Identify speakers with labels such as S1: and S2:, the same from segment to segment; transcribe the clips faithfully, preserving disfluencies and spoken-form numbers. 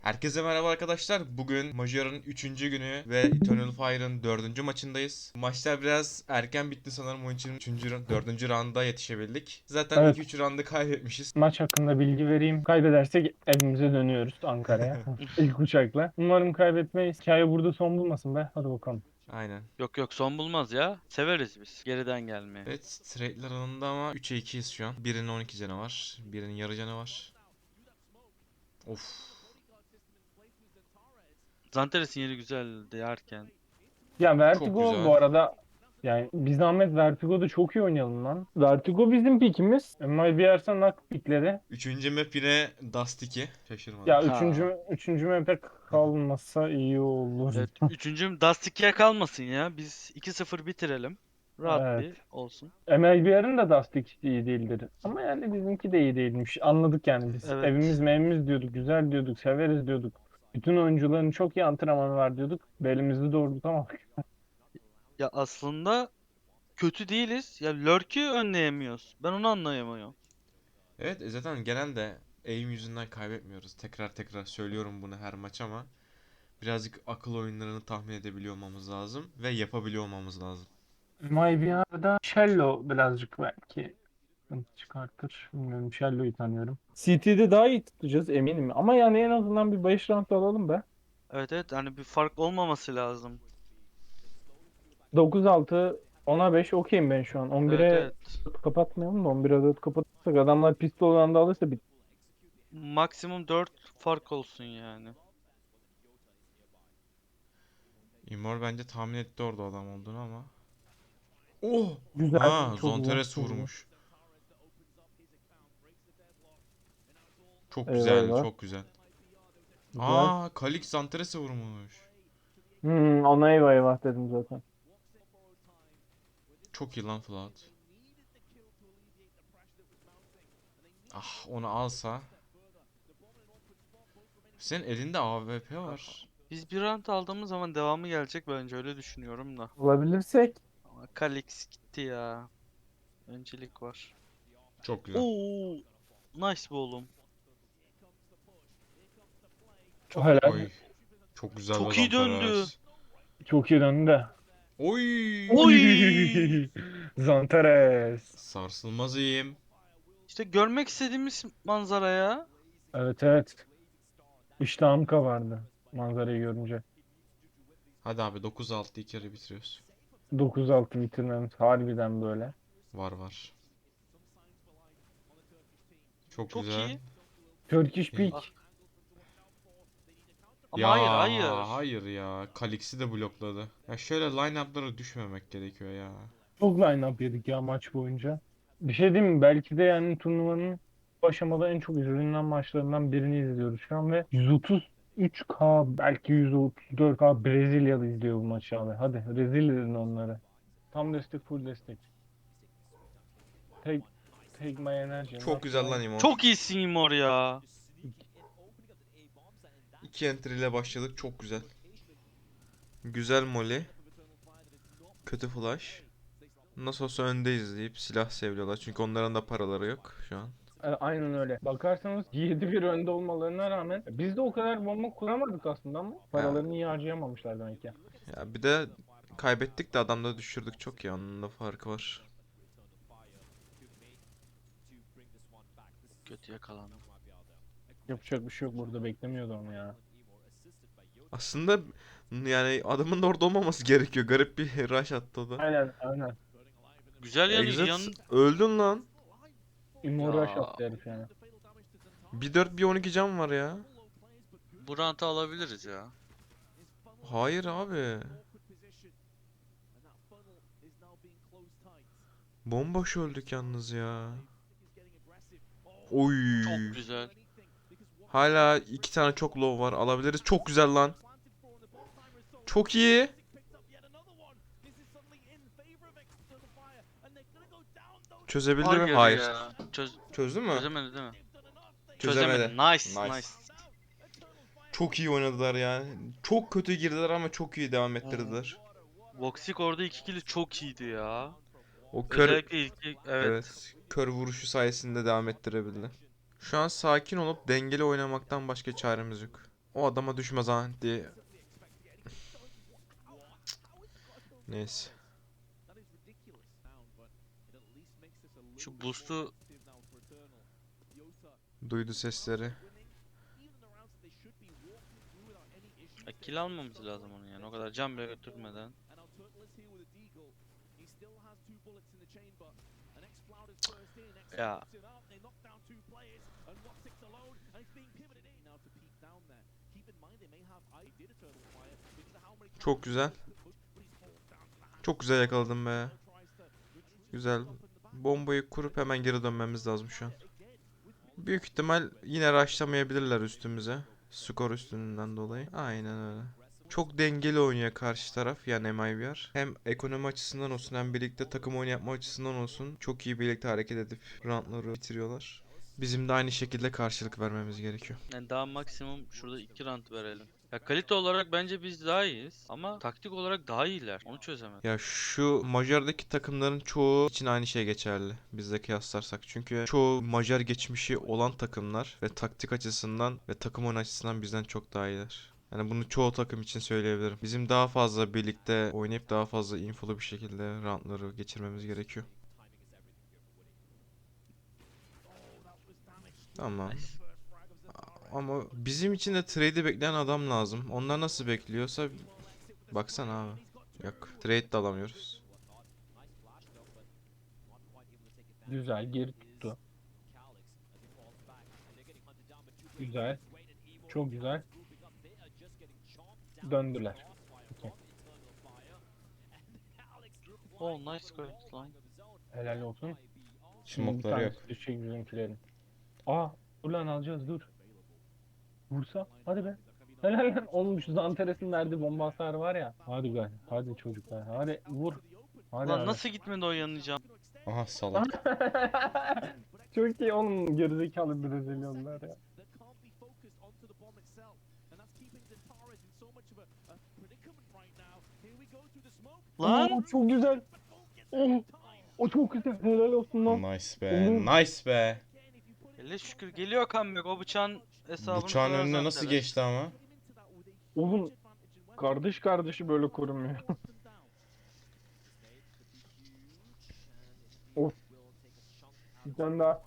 S1: Herkese merhaba arkadaşlar. Bugün Major'ın üçüncü günü ve Eternal Fire'ın dördüncü maçındayız. Maçlar biraz erken bitti sanırım. Onun için üçüncü, dördüncü rounda yetişebildik. Zaten ilk
S2: Evet,
S1: üç roundu kaybetmişiz.
S2: maç hakkında bilgi vereyim. Kaybedersek evimize dönüyoruz Ankara'ya. İlk uçakla. Umarım kaybetmeyiz. Hikaye burada son bulmasın be. Hadi bakalım.
S1: Aynen.
S3: Yok yok son bulmaz ya. Severiz biz geriden gelmeyi.
S1: Evet, trade'ler alanında ama üçe ikiyiz şu an. Birinin on iki canı var. Birinin yarı canı var. Of.
S3: Zanteres'in yeri güzeldi yerken.
S2: Ya
S1: Çok
S2: Vertigo
S1: güzel.
S2: bu arada yani bir zahmet Vertigo'da çok iyi oynayalım lan. Vertigo bizim pikimiz. M I B Ers'e nak pikleri.
S1: Üçüncü map yine Dust iki. Şaşırmadım.
S2: Ya
S3: Ha.
S2: üçüncü, üçüncü map'e kalmasa iyi olur.
S3: Evet, üçüncüm Dust ikiye kalmasın ya. Biz iki sıfır bitirelim. Rahat
S2: Evet.
S3: bir olsun.
S2: M L B R'ın da Dusty iyi değildir. Ama yani bizimki de iyi değilmiş. Anladık yani biz.
S3: Evet.
S2: Evimiz mevimiz diyorduk. Güzel diyorduk. Severiz diyorduk. Bütün oyuncuların çok iyi antrenmanı var diyorduk. Belimizi doğrultamadık.
S3: Ya aslında kötü değiliz. Ya Lurk'ü önleyemiyoruz. Ben onu anlayamıyorum.
S1: Evet, e zaten genelde aim yüzünden kaybetmiyoruz. Tekrar tekrar söylüyorum bunu her maç ama birazcık akıl oyunlarını tahmin edebiliyor olmamız lazım ve yapabiliyor olmamız lazım.
S2: M I B R'da Shello birazcık belki sıkıntı çıkartır. Bilmiyorum. Shello'yu tanıyorum. C T'de daha iyi tutacağız eminim. Ama yani en azından bir beş round alalım be.
S3: Evet evet hani bir fark olmaması lazım.
S2: dokuz altı ona beş okeyim ben şu an.
S3: Evet
S2: on bire
S3: evet.
S2: kapatmayalım da on bire dört kapatırsak adamlar pistol round'ı alırsa bit.
S3: Maksimum dört fark olsun yani.
S1: Immor bence tahmin etti orada adam olduğunu ama. Oh!
S2: Güzel.
S1: Ha,
S2: Çok güzel.
S1: Zonteres
S2: Çok güzel.
S1: vurmuş. Çok
S2: Eyvah
S1: güzel,
S2: eyvah.
S1: çok güzel.
S2: Güzel.
S1: Aa, Kalix Zonteres'e vurmuş.
S2: Hmm, ona eyvah eyvah dedim zaten.
S1: Çok iyi lan Flood. Ah, onu alsa. Senin elinde A W P var.
S3: Biz bir round aldığımız zaman devamı gelecek bence öyle düşünüyorum da.
S2: Bulabilirsek.
S3: Ama Kalix gitti ya. Öncelik var.
S1: Çok güzel.
S3: Oo, nice bu oğlum.
S2: O helal.
S1: Oy, çok güzel be
S3: Çok iyi döndü.
S1: Zanteres.
S2: Çok iyi döndü de.
S1: Oy!
S3: Oy!
S2: Zantares.
S1: Sarsılmaz iyiyim.
S3: İşte görmek istediğimiz manzara ya.
S2: Evet evet. İştahım kabardı. Manzarayı görünce.
S1: Hadi abi dokuz altı ilk yarı bitiriyoruz.
S2: dokuz altı bitirmemiz harbiden böyle.
S1: Var var. Çok
S3: Çok
S1: güzel.
S3: iyi.
S2: Turkish
S1: İyi.
S3: Ah,
S2: Peak.
S3: ama
S1: Ya
S3: hayır hayır.
S1: hayır ya. Kalix'i de blokladı. Ya şöyle line-up'lara düşmemek gerekiyor ya.
S2: Çok line-up yedik ya maç boyunca. Bir şey diyeyim mi? Belki de yani turnuvanın bu aşamada en çok izlenilen maçlarından birini izliyoruz şu an ve yüz otuz üç K belki yüz otuz dört K Brezilyalı izliyor bu maçı abi. Hadi rezil edin onları. Tam destek, full destek. Take, take my energy,
S1: Çok
S2: not
S1: güzel lan
S2: mine.
S1: Imor.
S3: Çok iyisin Imor ya.
S1: İki enter ile başladık. Çok güzel. Güzel molly. Kötü flash. Nasıl olsa öndeyiz deyip silah seviyorlar. Çünkü onların da paraları yok şu an.
S2: E, Aynen öyle. Bakarsanız yedi bir önde olmalarına rağmen biz de o kadar bomba kuramadık aslında ama
S1: Ya,
S2: paralarını iyi harcayamamışlar demek ki.
S1: ya bir de kaybettik de adamda düşürdük çok ya. Onun da farkı var.
S3: Kötü yakalandım.
S2: Yapacak bir şey yok, burada beklemiyordu onu ya.
S1: Aslında yani adamın da orada olmaması gerekiyor. Garip bir rush attı o da.
S2: Aynen aynen.
S3: Güzel yanı
S1: Exit
S3: yan
S1: öldün lan.
S2: Immorage
S3: ya.
S2: attı herif yani.
S1: Bir dört bir on iki can var ya.
S3: Bu round'u alabiliriz ya.
S1: Hayır abi. Bomboş öldük yalnız ya. Oy.
S3: Çok güzel.
S1: Hala iki tane çok low var. Alabiliriz. Çok güzel lan. Çok iyi. Çözebildi mi?
S3: Hayır
S1: Hayır.
S3: ya. Çöz
S1: Çözdü mü?
S3: çözemedi değil mi? Çözemedi.
S1: Çözemedi.
S3: Nice,
S1: Nice.
S3: nice.
S1: Çok iyi oynadılar ya. Çok kötü girdiler ama çok iyi devam
S3: Oo.
S1: ettirdiler.
S3: Voxic orada iki kili çok iyiydi ya.
S1: O kör,
S3: Özellikle ilk evet.
S1: evet, kör vuruşu sayesinde devam ettirebildi. Şu an sakin olup dengeli oynamaktan başka çaremiz yok. O adama düşmez ha diye. Neyse.
S3: Şu boost'u
S1: Duydu sesleri.
S3: ya, kill almamız lazım onun yani. O kadar can bile götürmeden. Ya
S1: Çok güzel. Çok güzel yakaladım be. Güzel. Bombayı kurup hemen geri dönmemiz lazım şu an. Büyük ihtimal yine rushlamayabilirler üstümüze. Skor üstünden dolayı. Aynen öyle. Çok dengeli oynuyor karşı taraf yani M I V R. Hem ekonomi açısından olsun hem birlikte takım oyunu yapma açısından olsun çok iyi birlikte hareket edip roundları bitiriyorlar. Bizim de aynı şekilde karşılık vermemiz gerekiyor.
S3: yani daha maksimum şurada iki round verelim. Ya kalite olarak bence biz daha iyiyiz ama taktik olarak daha iyiler. Onu çözemedim.
S1: Ya şu Macar'daki takımların çoğu için aynı şey geçerli bizle kıyaslarsak. Çünkü çoğu Macar geçmişi olan takımlar ve taktik açısından ve takım oyunu açısından bizden çok daha iyiler. Yani bunu çoğu takım için söyleyebilirim. Bizim daha fazla birlikte oynayıp daha fazla infolu bir şekilde roundları geçirmemiz gerekiyor. Tamam.
S3: Nice.
S1: Ama bizim için de trade'i bekleyen adam lazım. Onlar nasıl bekliyorsa baksana abi. Yok, trade de alamıyoruz.
S2: Güzel geri tuttu. Güzel. Çok güzel. Döndüler. Okey.
S3: Oh nice squat lan.
S2: Helal olsun. Şimdi bir
S4: Smoke'ları yok.
S2: tanesi düşecek bizimkilerin. Aa dur lan alacağız dur. Vursa hadi be. Helal lan oğlum şu Zanteres'in verdiği bomba hasarı var ya. Hadi be hadi çocuklar hadi vur. Hadi
S3: Lan
S2: hadi.
S3: nasıl gitmedi o yanıcı?
S4: Aha salak.
S2: Çok iyi oğlum gerizekalı Brezilyalılar ya.
S3: Lan!
S2: Oo, çok güzel. Oh, o çok güzel. Helal olsun lan.
S4: Nice be.
S2: Oğlum.
S4: Nice be.
S3: Hele şükür geliyor comeback. O bıçağın hesabını
S4: Bıçağın
S3: sorar
S4: önüne nasıl
S3: Zanteres.
S4: geçti ama?
S2: Oğlum kardeş kardeşi böyle korumuyor. Of. Bir tane daha.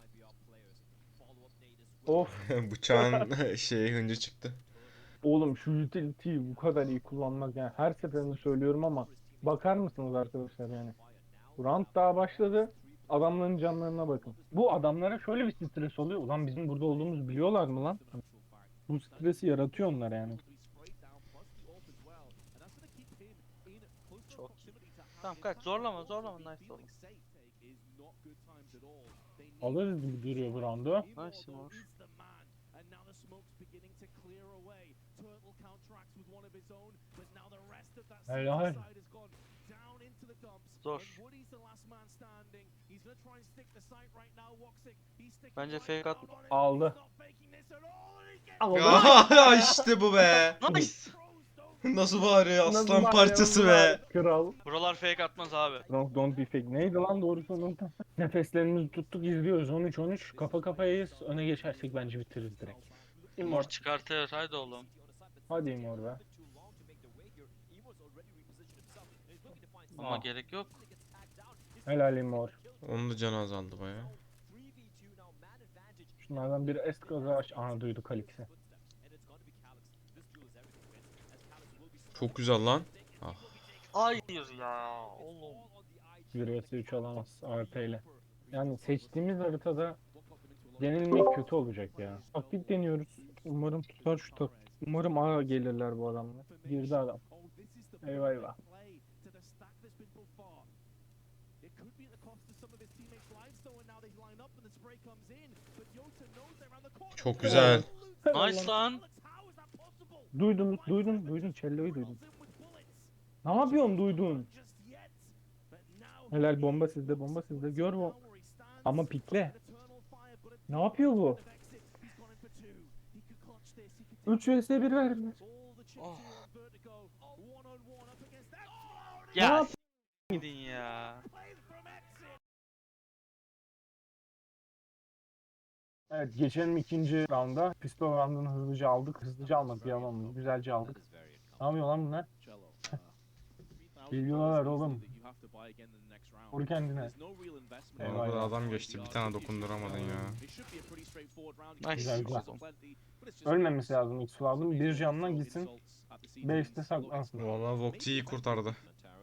S2: Of.
S4: Bıçağın şey hıncı çıktı.
S2: Oğlum şu utility'yi bu kadar iyi kullanmak yani her seferinde söylüyorum ama bakar mısınız arkadaşlar yani. Round daha başladı. Adamların canlarına bakın. Bu adamlara şöyle bir stres oluyor. Ulan bizim burada olduğumuzu biliyorlar mı lan? Bu stresi yaratıyor onlar yani.
S3: Çok iyi. Tamam kaç zorlama zorlama nice zorlama.
S2: Alırız gibi duruyor bu roundu.
S3: Nice mor.
S2: Helal.
S3: Zor. Bence fake at.
S2: Aldı. Aldı.
S1: Ya işte bu be.
S3: Nice!
S1: Nasıl bağırıyor
S2: Nasıl
S1: aslan
S2: var
S1: parçası
S2: ya,
S1: be.
S2: Kral.
S3: Buralar fake atmaz abi.
S2: Don't, don't be fake. Neydi lan doğrusu unuttum. Nefeslerimizi tuttuk izliyoruz. on üç on üç. Kafa kafayayız. Öne geçersek bence bitiririz direkt.
S3: Mor
S2: İmor.
S3: çıkartır haydi oğlum.
S2: Hadi İmor be.
S3: Ama
S2: Aa.
S3: gerek yok.
S2: Helal İmor.
S4: Onun da canı azaldı baya.
S2: Şunlardan biri est gazı aç. Aha duydu Kalix'i.
S4: Çok güzel lan. Ah.
S3: Hayır ya oğlum.
S2: bir vs üç alamaz A P ile. Yani seçtiğimiz haritada yenilmek kötü olacak ya. Taktik deniyoruz. Umarım tutar şu tak. Umarım A gelirler bu adamlar. Girdi adam. Eyvah eyvah.
S4: Çok güzel.
S3: Nice lan.
S2: Duydun, duydun, duydun. Cello'yu duydun. Ne yapıyorsun duydun? Helal bomba sizde, bomba sizde. Gör bu. Ama pikle. Ne yapıyor bu? üç vs bir verdiler.
S3: Oh.
S2: Ne
S3: Ya
S2: yap-
S3: s- gidin ya.
S2: Evet, geçelim ikinci rounda. Pistol roundunu hızlıca aldık. Hızlıca almak yalan. Güzelce aldık. Ne yapıyor lan bunlar? Geliyorlar oğlum. Vur kendine.
S4: Bana
S2: Eyvah
S4: da
S2: eyvah.
S4: adam geçti. Bir tane dokunduramadın ya.
S2: Güzel
S3: Nice.
S2: güzel. Ölmemesi lazım X lazım. Bir canına gitsin. Base'de saklansın.
S4: Valla Voxy iyi kurtardı.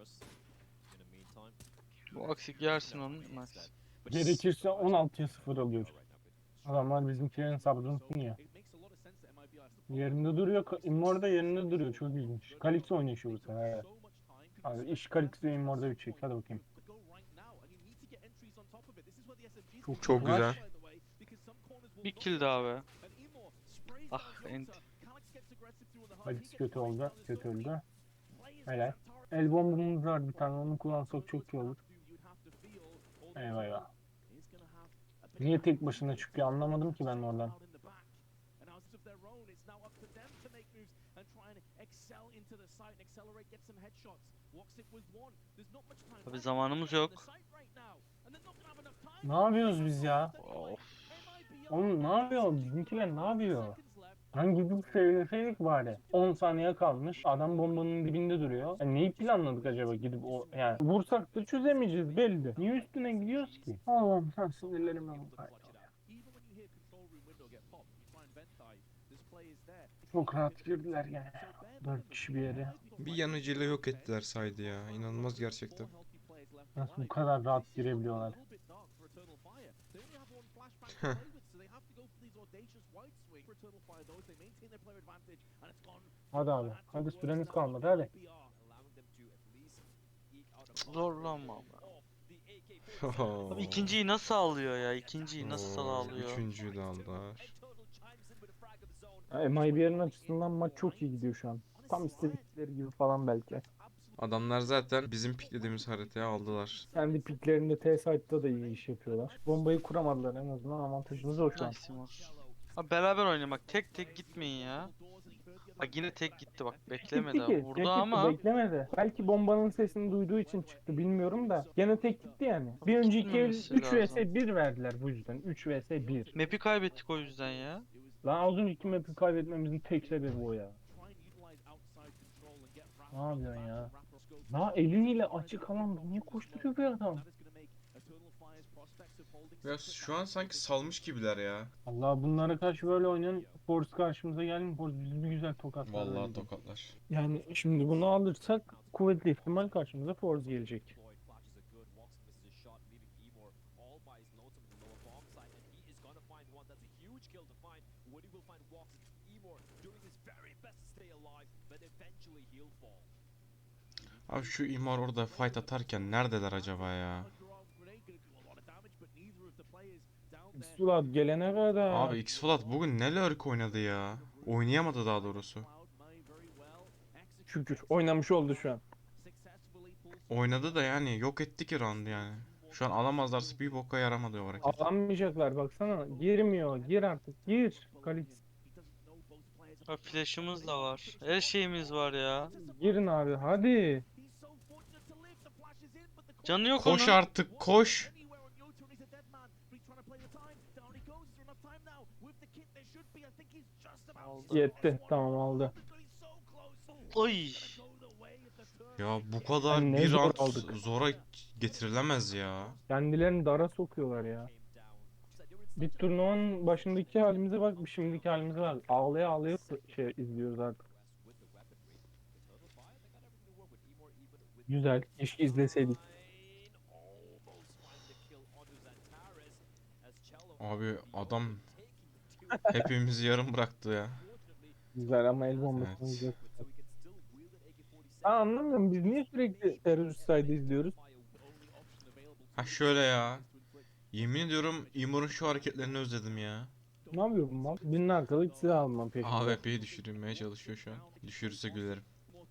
S3: Bu aksik yersin onu. Nice.
S2: Gerekirse on altıya sıfır alıyor. Adamlar bizimkilerin sabrını sınıyor. Yerinde duruyor. Ka- Immorda yerinde duruyor. Çok ilginç. Kalix oynuyor şu bu sefer. Evet. Abi iş Kalix ve Immorda bitecek. Hadi bakayım. Çok,
S1: Çok
S2: flash.
S1: güzel.
S3: Bir kill daha be. Ah ent.
S2: Kalix kötü oldu. Kötü öldü. Helal. El bombamız var bir tane. Onu kullansak çok iyi olur. Eyvah eyvah. Niye tek başına çıkıyor anlamadım ki ben oradan.
S3: Abi zamanımız yok.
S2: Ne yapıyoruz biz ya?
S3: Of.
S2: Oğlum ne yapıyor? Bizimkiler ne yapıyor? Hangi bir söyleseydik bari. on saniye kalmış. Adam bombanın dibinde duruyor. Yani neyi planladık acaba gidip o yani vursak da çözemeyeceğiz belli. Niye üstüne gidiyoruz ki? Allah'ım sen sinirlerime bak. Çok rahat girdiler yani. Dört kişi bir yere.
S1: Bir yanıcıyla yok ettiler saydı ya. İnanılmaz gerçekten.
S2: Nasıl bu kadar rahat girebiliyorlar? Hadi abi. Hadi süreniz kalmadı hadi.
S3: Zorlanma abi. Abi ikinciyi nasıl alıyor ya? İkinciyi nasıl
S1: Oo,
S3: alıyor?
S1: Üçüncüyü de aldılar.
S2: M I B'nin açısından maç çok iyi gidiyor şu an. Tam istedikleri gibi falan belki.
S1: Adamlar zaten bizim piklediğimiz haritayı aldılar.
S2: Kendi piklerinde T-Site'da da iyi iş yapıyorlar. Bombayı kuramadılar en azından avantajımız o şu an.
S3: Nice Timur. Abi beraber oynamak. Tek tek gitmeyin ya. Bak yine tek gitti bak. Beklemedi.
S2: Gitti ki. Tek
S3: Vurdu
S2: gitti,
S3: ama
S2: beklemedi. Belki bombanın sesini duyduğu için çıktı bilmiyorum da. Gene tek gitti yani. Bir önceki el
S3: Gitmemesi
S2: üç vs
S3: lazım.
S2: bir verdiler bu yüzden. üç vs bir.
S3: map'i kaybettik o yüzden ya.
S2: Lan az önceki map'i kaybetmemizin tek sebebi o ya. Ne yapıyorsun ya? Daha eliyle açık alanda niye koşturuyor bir adam?
S1: Ya şu an sanki salmış gibiler ya.
S2: Allah bunlara karşı böyle oynayan Force karşımıza gelmiyor. Force bizi bir güzel tokatlar.
S4: Vallahi
S2: öyle diyeyim.
S4: tokatlar.
S2: Yani şimdi bunu alırsak kuvvetli ihtimal karşımıza Force gelecek.
S4: Abi şu imar orada fight atarken neredeler acaba ya?
S2: Sulat gelene kadar.
S4: Abi X-Flat bugün ne lurk oynadı ya? Oynayamadı daha doğrusu.
S2: Şükür oynamış oldu şu an.
S4: Oynadı da yani yok etti ki round'u yani. Şu an alamazlarsa bir boka yaramadı o hareket.
S2: Alamayacaklar baksana. Girmiyor. Gir artık. Gir. Kalix.
S3: Abi flash'ımız da var. Her şeyimiz var ya.
S2: Girin abi. Hadi.
S3: Canı yok
S4: Koş
S3: onun.
S4: artık koş.
S2: Yetti. Tamam aldı.
S3: Oy.
S4: Ya bu kadar
S2: Hani ne
S4: bir
S2: zor
S4: round
S2: aldık.
S4: zora getirilemez ya.
S2: Kendilerini dara sokuyorlar ya. Bir turnuvanın başındaki halimize bak, şimdiki halimize bak. Ağlaya ağlaya şey izliyoruz artık. Güzel. Keşke izleseydik.
S4: Abi adam hepimizi yarım bıraktı ya.
S2: Güzel ama el bombasını
S4: Evet.
S2: izliyoruz. Ben anlamıyorum. Biz niye sürekli terörist saydı izliyoruz?
S4: Ha şöyle ya. Yemin ediyorum Imor'un şu hareketlerini özledim ya.
S2: Ne yapıyor bu mal? Birinin arkalık silah almam peşinde.
S4: A W P'yi düşürmeye çalışıyor şu an. Düşürürse gülerim.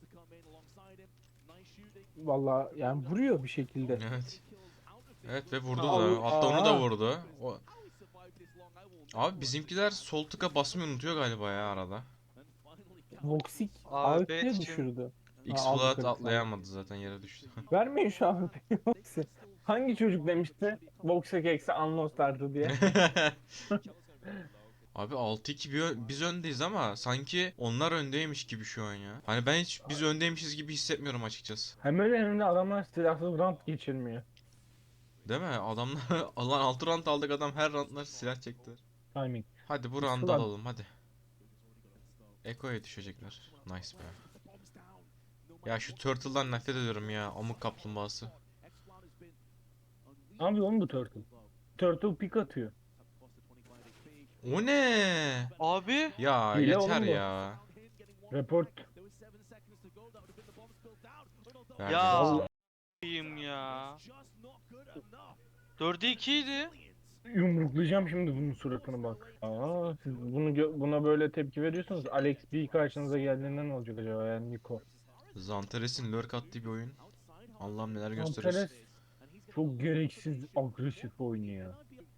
S2: Vallahi yani vuruyor bir şekilde.
S4: Evet. Evet ve vurdu
S2: Aa,
S4: da. Hatta onu da
S2: aa.
S4: vurdu. O... Abi bizimkiler sol tıka basmayı unutuyor galiba ya arada.
S2: Voxic
S3: A W P
S2: A W P
S3: için-
S2: düşürdü. Ha,
S4: X-Flat
S2: aldı kırk
S4: atlayamadı zaten yere düştü.
S2: Vermeyin şu A W P'yi Voxic'e. Hangi çocuk demişti? Voxic eksi Unlost'lardı diye.
S4: Abi altı iki bir ö- biz öndeyiz ama sanki onlar öndeymiş gibi şu an ya. Hani ben hiç biz öndeymişiz gibi hissetmiyorum açıkçası.
S2: Hem öyle hem de adamlar silahsız round geçirmiyor.
S4: Değil mi? Adamlar alan altı round aldık, adam her roundlar silah çekti.
S2: Timing.
S4: Hadi bu
S2: Biz
S4: round'u
S2: falan-
S4: alalım hadi. Eko'ya düşecekler. Nice be. Ya şu Turtle'dan nefret ediyorum ya. Amık kaplumbağası.
S2: Ne yapıyor oğlum bu Turtle? Turtle pick atıyor.
S4: O ne?
S3: Abi
S4: Ya
S2: Hile
S4: yeter
S2: oğlum bu.
S4: ya.
S2: Report.
S4: Verdi
S3: ya
S2: Vallahi
S3: a**ayım ya. dörde iki idi.
S2: yumruklayacağım şimdi bunun suratına bak. Aa, siz bunu gö- buna böyle tepki veriyorsunuz. Alex B karşınıza geldiğinde ne olacak acaba yani Niko?
S4: Zantares'in lurk attığı bir oyun. Allah'ım neler gösteriyor.
S2: Antares çok gereksiz agresif oynuyor.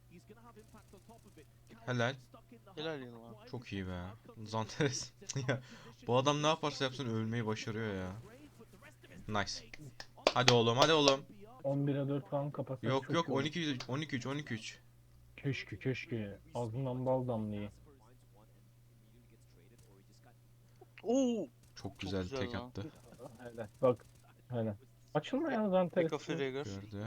S4: Helal.
S3: Helal yıllar.
S4: Çok iyi be. Zantares. Ya bu adam ne yaparsa yapsın ölmeyi başarıyor ya. Nice. Hadi oğlum, hadi oğlum.
S2: on bire dört falan kapatsak
S4: Yok
S2: çok
S4: yok,
S2: iyi olur.
S4: on iki on iki üç on iki üç.
S2: Keşke keşke. Ağzından bal damlıyor.
S3: Oo.
S4: Çok güzel
S3: güzel
S4: tek
S3: lan.
S4: attı.
S2: Hele bak. Hele. Açılma ya Zantares.
S3: Eka Fragger.
S4: Gördü.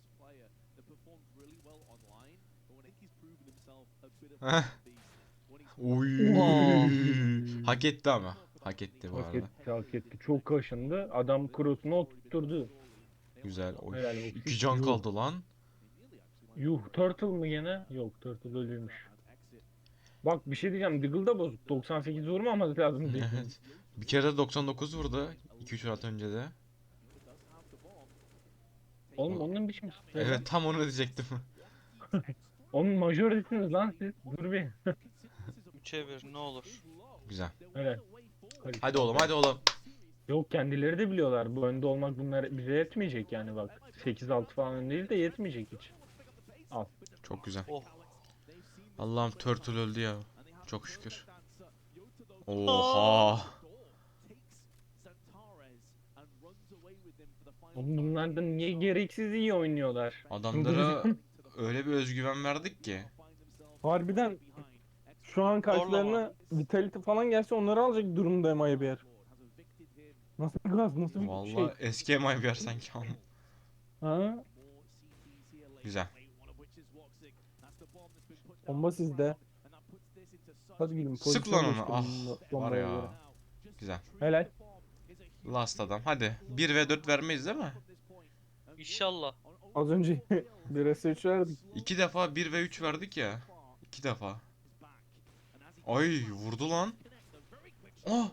S4: Uy.
S2: Oha.
S4: Hak etti ama. Hak etti bu
S2: Hak
S4: arada.
S2: etti, hak etti. Çok kaşındı. Adam cross'unu oturtturdu.
S4: Güzel. Oy.
S2: Helal olsun.
S4: iki can
S2: Yuh.
S4: kaldı lan.
S2: Yuh, Turtle mı gene? Yok, Turtle ölüymüş. Bak bir şey diyeceğim. Diggle da bozuk. doksan sekiz vurmaması lazım Diggle'ın.
S4: Evet. Bir kere de doksan dokuz vurdu. iki üç round önce de.
S2: Oğlum onun bir şey
S4: Evet, tam onu diyecektim.
S2: Onun majoresiniz lan siz. Dur bir.
S3: üçe bir ne olur.
S4: Güzel.
S2: Öyle.
S4: Hadi oğlum, hadi oğlum.
S2: Yok kendileri de biliyorlar. Bu önde olmak bunlar bize yetmeyecek yani bak. sekiz altı falan ön değil de yetmeyecek hiç. Al.
S4: Çok güzel.
S3: Oh.
S4: Allah'ım Turtle öldü ya. Çok şükür. Oha.
S2: Oğlum bunlar da niye gereksiz iyi oynuyorlar?
S4: Adamlara öyle bir özgüven verdik ki.
S5: Harbiden şu an karşılarına Vitality falan gelse onları alacak durumda M I B R. Nasıl bir gaz, nasıl bir
S4: Vallahi
S5: şey?
S4: eski M I bir sanki ama.
S5: Ha?
S4: Güzel.
S5: Bomba sizde. Hadi gülüm.
S4: Sık
S5: pozisyona
S4: lan onu.
S5: geçtim
S4: Ah,
S5: bununla-
S4: var
S5: bombaya göre.
S4: ya. Güzel.
S5: Helal.
S4: Last adam. Hadi. bir ve dört vermeyiz değil mi?
S3: İnşallah.
S5: Az önce bir S üç verdik.
S4: İki defa bir ve üç verdik ya. İki defa. Ay vurdu lan. Ah.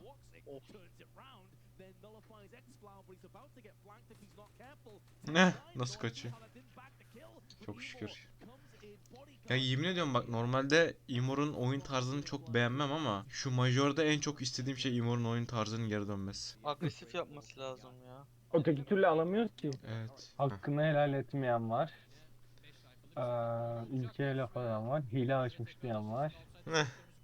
S4: Ne? Nasıl kaçıyor? Çok şükür. Ya yemin ediyorum bak, normalde Imor'un oyun tarzını çok beğenmem ama şu Major'da en çok istediğim şey Imor'un oyun tarzının geri dönmesi.
S3: Agresif yapması lazım ya.
S2: Öteki türlü alamıyoruz ki.
S4: Evet. Heh.
S2: Hakkını helal etmeyen var. Ee, ülkeye laf eden var. Hile açmış diyen var.
S4: Heh.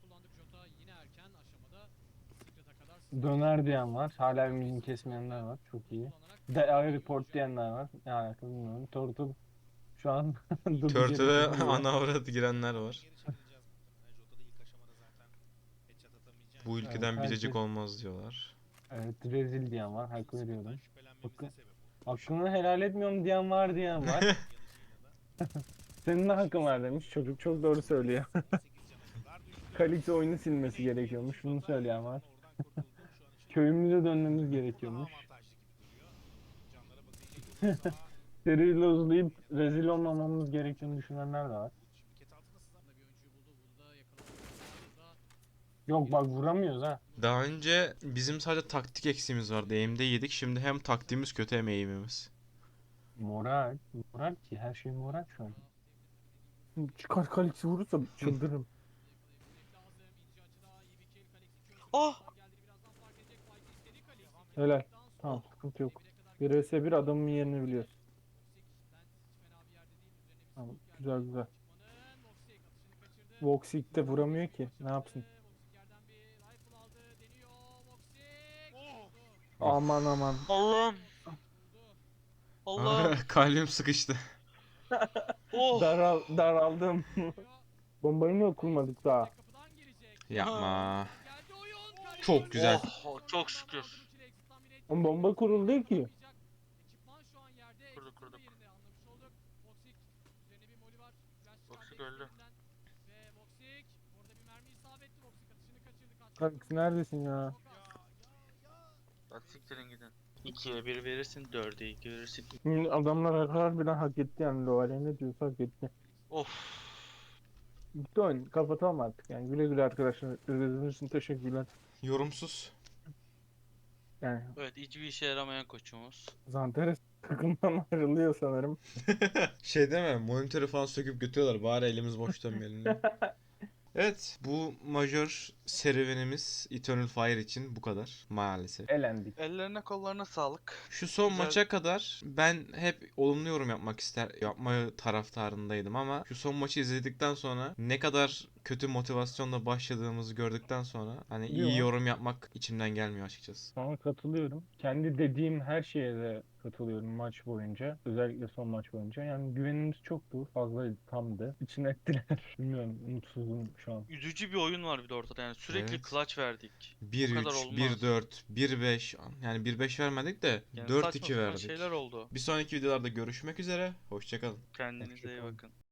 S2: Döner diyen var. Hala ümidini kesmeyenler var. Çok iyi. De I report diyenler var. Ne alakalı bilmiyorum. Turtle şu an
S4: Turtle'e ana avrat girenler var. Bu ülkeden
S2: Evet,
S4: biricik
S2: herkes-
S4: olmaz diyorlar.
S2: Evet, rezil diyen var. Hak veriyorum. Hakkı, hakkını helal etmiyorum diyen var diyen var. Senin de hakkın var demiş. Çocuk çok doğru söylüyor. Kalite oyunu silmesi gerekiyormuş. Bunu söyleyen var. Köyümüze dönmemiz gerekiyormuş. Seriyle uzayıp rezil olmamamız gerektiğini düşünenler de var. Yok bak vuramıyoruz ha.
S4: Daha önce bizim sadece taktik eksiğimiz vardı. Aim'de yedik. Şimdi hem taktiğimiz kötü hem aim'imiz.
S2: Moral. Moral ki her şey moral şu an.
S5: Çıkar Kalix'i vurursa çıldırırım.
S3: Ah!
S5: Helal. Tamam, sıkıntı yok. bir vs bir adamın yerini biliyoruz. Tamam, güzel güzel. Voxic de vuramıyor ki. Ne yapsın? Aman aman.
S3: Allah'ım. Allah'ım.
S4: Kalbim sıkıştı.
S3: Oh.
S5: Daral, daraldım.
S2: Bombayı niye kurmadık daha?
S1: Yapma. Çok güzel.
S3: Oh, çok şükür.
S2: Oğlum bomba kuruldu ki.
S3: Kurduk kurduk. Toksik öldü.
S2: Kanka neredesin ya?
S3: Bak siktirin gidin. ikiye bir verirsin, dörde iki verirsin.
S2: Şimdi adamlar harbiden hak etti yani Loval'e ne diyorsa hak etti.
S3: Of.
S2: Bitti oyun. Kapatalım artık yani. Güle güle arkadaşlar. İzlediğiniz için teşekkürler.
S1: Yorumsuz.
S2: Yani
S3: Evet, hiçbir işe yaramayan koçumuz.
S2: Zanteres takımdan ayrılıyor sanırım.
S1: Şey deme, monitörü falan söküp götürüyorlar. Bari elimiz boş dönmeyelim diye. Evet, bu majör serüvenimiz Eternal Fire için bu kadar maalesef.
S2: Elendik.
S3: Ellerine kollarına sağlık.
S1: Şu son
S3: Güzel.
S1: maça kadar ben hep olumlu yorum yapmak ister yapma taraftarındaydım ama şu son maçı izledikten sonra ne kadar kötü motivasyonla başladığımızı gördükten sonra hani iyi
S2: Yo.
S1: yorum yapmak içimden gelmiyor açıkçası.
S2: Sana katılıyorum. Kendi dediğim her şeye de katılıyorum maç boyunca. Özellikle son maç boyunca. Yani güvenimiz çoktu. Fazlaydı. Tamdı. İçine ettiler. Bilmiyorum. Mutsuzum şu an.
S3: Üzücü bir oyun var bir de ortada, yani sürekli
S1: Evet.
S3: clutch verdik.
S1: bir
S3: Bu kadar
S1: üç,
S3: olmaz.
S1: bir dört, bir beş yani bir beş vermedik de
S3: Yani
S1: dört
S3: saçma
S1: iki
S3: sapan
S1: verdik.
S3: şeyler oldu.
S1: Bir sonraki videolarda görüşmek üzere. Hoşçakalın.
S3: Kendinize iyi
S2: Hoşçakalın.
S3: bakın.